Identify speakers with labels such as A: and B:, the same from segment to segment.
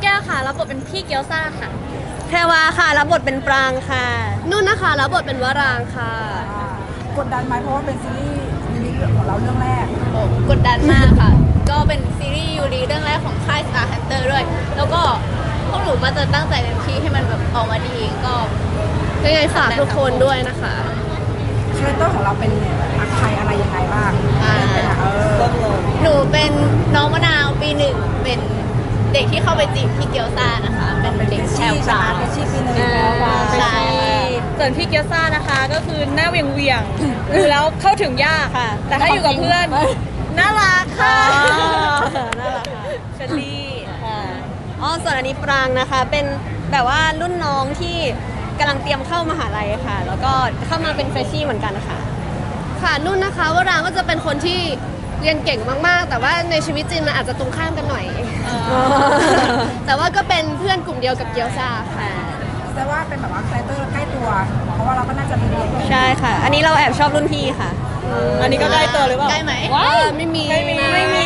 A: แก้วค่ะรับบทเป็นพี่เกียวซ่าค่ะ
B: แพรวาค่ะรับบทเป็นปรางค่ะ
C: นุ่นนะคะรับบทเป็นวรางค่ะ
D: กดดันไหมเพราะว่าเป็นซีรีส์ของเราเรื่องแรก
A: กดดันมากค่ะ ก็เป็นซีรีส์ยูรีเรื่องแรกของค่าย Star Hunter ด้วย แล้วก็พวกหนูมาจะตั้งใจเต็มที่ให้มันแบบออกมาดีก็
C: ยังไงฝากทุกคนด้วยนะคะ
D: คาแรคเตอร์ของเราเป็นใครอะไรยังไงบ้าง
A: หนูเป็นน้องมะนาวปี 1เป็นเด็กที่เข้าไปจีบพี่เกียวซ่านะคะเป็นเด็กแชร์ปลา
D: เป็นชีปีหนึ่ง
A: ใช่
B: ส่วนพี่เกียวซ่านะคะก็คือหน้าเวียงดูแล้วเข้าถึงยากค่ะแต่ถ้าอยู่กับเพื่อนน่ารักค่ะน่ารักค่ะเฟรนลี่ค่ะส่วนอันนี้ปรางนะคะเป็นแบบว่ารุ่นน้องที่กำลังเตรียมเข้ามหาลัยค่ะแล้วก็เข้ามาเป็นเฟรชชี่เหมือนกันค่ะ
C: นุ่นนะคะวรางก็จะเป็นคนที่เรียนเก่งมากๆแต่ว่าในชีวิตจริงมันอาจจะตรงข้ามกันหน่อยแต่ว่าก็เป็นเพื่อนกลุ่มเดียวกับเกียวซ่าค่ะ
D: แต่ว่าเป็นแบบว่าคาแรคเตอร์ใกล้ตัวเพราะว่าเราก็น่าจะมี
B: ใช่ค่ะอันนี้เราแอบชอบรุ่นพี่ค่ะอันนี้ก็ใกล้ตัวหรือเปล่า
A: ใกล้ไหม
C: ไม่มี
B: ถ้าได้เ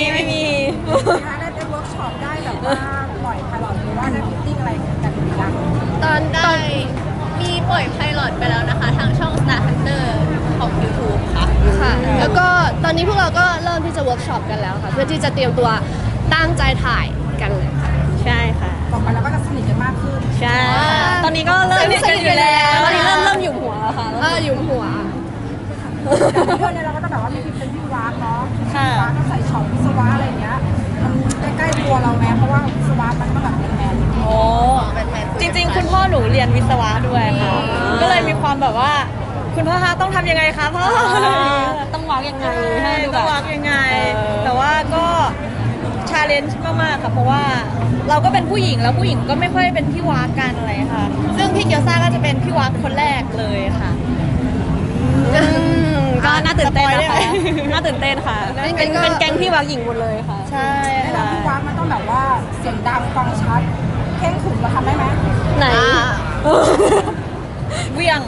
D: วิร์กช็อปได้แบบว่าปล่อยพาร์ทหรือว่าได้ฟิตติ้งอะไรกันหรือยัง
A: ตอนมีปล่อยไพลอตไปแล้วนะคะทางช่อง Star Hunter ของ YouTube
C: ค่ะแล้วก็ตอนนี้พวกเราก็เริ่มที่จะเวิร์กช็อปกันแล้วค่ะเพื่อที่จะเตรียมตัวตั้งใจถ่ายกันเลยค่ะ
B: ใช่ค่ะ
D: ต่อไปเราก็จะสนิทกันมากขึ้น
B: ใช่ตอนนี้ก็เริ่มสนิทกันอยู่แล้วตอนนี้เริ่มอยู่หัวแล้วค่ะ
C: อยู่หัว
D: เรื่องนี้เราก็จะแบบว่ามีเป็นพี่วากเนาะวากก็ใส่ช็อปวิศวะอะไรอย่างเงี้ยมันใกล้ๆตัวเราแม้เพราะว่าวิศวะมันก็แบบแมน
B: โอ้จริงๆคุณพ่อหนูเรียนวิศวะด้วยค่ะก็เลยมีความแบบว่าคุณพ่อคะต้องทำยังไงคะพ่อต้องวางยังไงต้องวางยังไงแต่ว่าก็ชาเลนจ์มากๆค่ะเพราะว่าเราก็เป็นผู้หญิงแล้วผู้หญิงก็ไม่ค่อยเป็นพี่วากกันอะไรค่ะซึ่งพี่เกียวซ่าก็จะเป็นพี่วากคนแรกเลยค่ะก็น่าตื่นเต้นนะคะน่าตื่นเต้นค่ะเป็นแก๊งพี่วากหญิงหมดเลยค่ะใช่
D: ค่ะพี่วากมันต้องแบบว่าเสียงดังฟังชัดเข่งขรึมเราทำได้ไหม
B: ไหนเวียง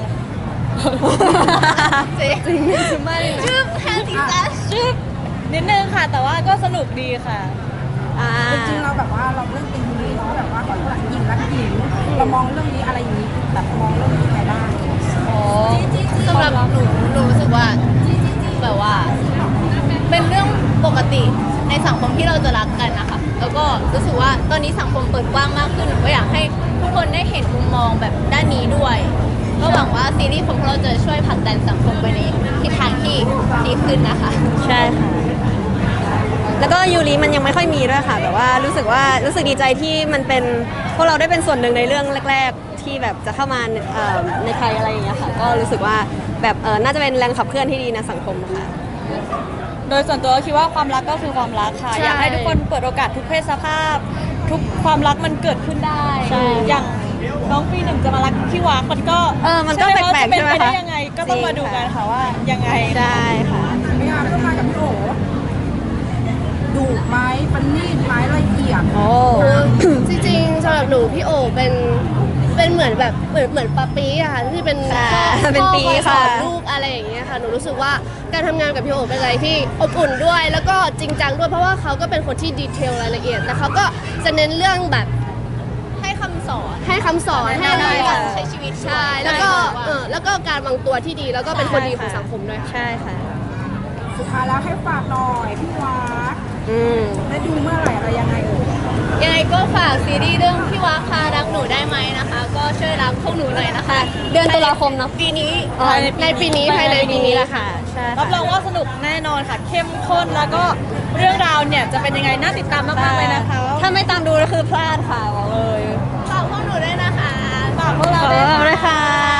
C: จริงไม่
A: ชื่อแฮนดี้ซัส
B: ชื่อนิดนึงค่ะแต่ว่าก็สนุกดีค่ะ
D: จริงๆเราแบบว่าเราเรื่องตีนี้เนาะแบบว่าก่อนหญิงรักหญิงเรามองเรื่องนี้อะไรอย่างนี้แบบมองเรื่องนี้ยังไงบ้าง
A: สำหรับหนูรู้สึกว่าแบบว่าเป็นเรื่องปกติในสังคมที่เราจะรักกันนะคะแล้วก็รู้สึกว่าตอนนี้สังคมเปิดกว้างมากขึ้นหนูก็อยากให้ทุกคนได้เห็นมุมมองแบบด้านนี้ด้วยก็หวังว่าซีรีส์ของเราจะช่วยผลักดันสังคมไปในทิศทางที่ดีขึ้นนะคะ
B: ใช่ค่ะแล้วก็ยูริมันยังไม่ค่อยมีด้วยค่ะแบบว่ารู้สึกดีใจที่มันเป็นพวกเราได้เป็นส่วนหนึ่งในเรื่องแรกๆที่แบบจะเข้ามาในไทยอะไรอย่างเงี้ยค่ะก็รู้สึกว่าแบบน่าจะเป็นแรงขับเคลื่อนที่ดีในสังคมค่ะโดยส่วนตัวคิดว่าความรักก็คือความรักค่ะอยากให้ทุกคนเปิดโอกาสทุกเพศสภาพทุกความรักมันเกิดขึ้นได้อย่างน้องปีหนึ่งจะมารักพี่วากมันก็แปลกๆใช่ไหมคะยังไงก็ต้องมาดูกันค่ะว่ายังไงใช่ค่ะ
D: ไม่งานก็มากับพี่โอดุไหมประณีตไหมละเอียด
C: จริงๆสำหรับหนูพี่โอเป็นเหมือนแบบเหมือนปาปีอะค่ะที่เป็น
B: ปี
C: ค่ะลูกอะไรอย่างเงี้ยค่ะหนูรู้สึกว่าการทำงานกับพี่โอเป็นอะไรที่อบอุ่นด้วยแล้วก็จริงจังด้วยเพราะว่าเขาก็เป็นคนที่ดีเทลรายละเอียดแต่เขาก็จะเน้นเรื่องแบบ
A: ให้คำสอน
C: ให้อะไร
A: ใช้ชีวิต
C: ใช่แล้วก็การวางตัวที่ดีแล้วก็เป็นคนดีของสังคมด้วย
B: ใช่ค่ะ
D: สุดท้ายแล้วให้ฝากหน่อยพี่วากได้ดูเมื่อไหร่อะไรยังไง
A: ยังไงก็ฝากซีรีส์เรื่องพี่วากพารักหนูได้ไหมนะคะก็ช่วยรักพวกหนูหน่อยนะคะ
B: เดือนตุลาคมเนาะ
A: ปีนี้
C: ในปีนี้ภายในปีนี้แหละค่ะ
B: รับรองว่าสนุกแน่นอนค่ะเข้มข้นแล้วก็เรื่องราวเนี่ยจะเป็นยังไงน่าติดตามมากๆเลยนะคะถ้าไม่ตามดูก็คือพลาดค่ะบอกเลย
A: ฝากพวกหนูด้วยนะคะ
B: ฝากพวกเราด้วยค่ะ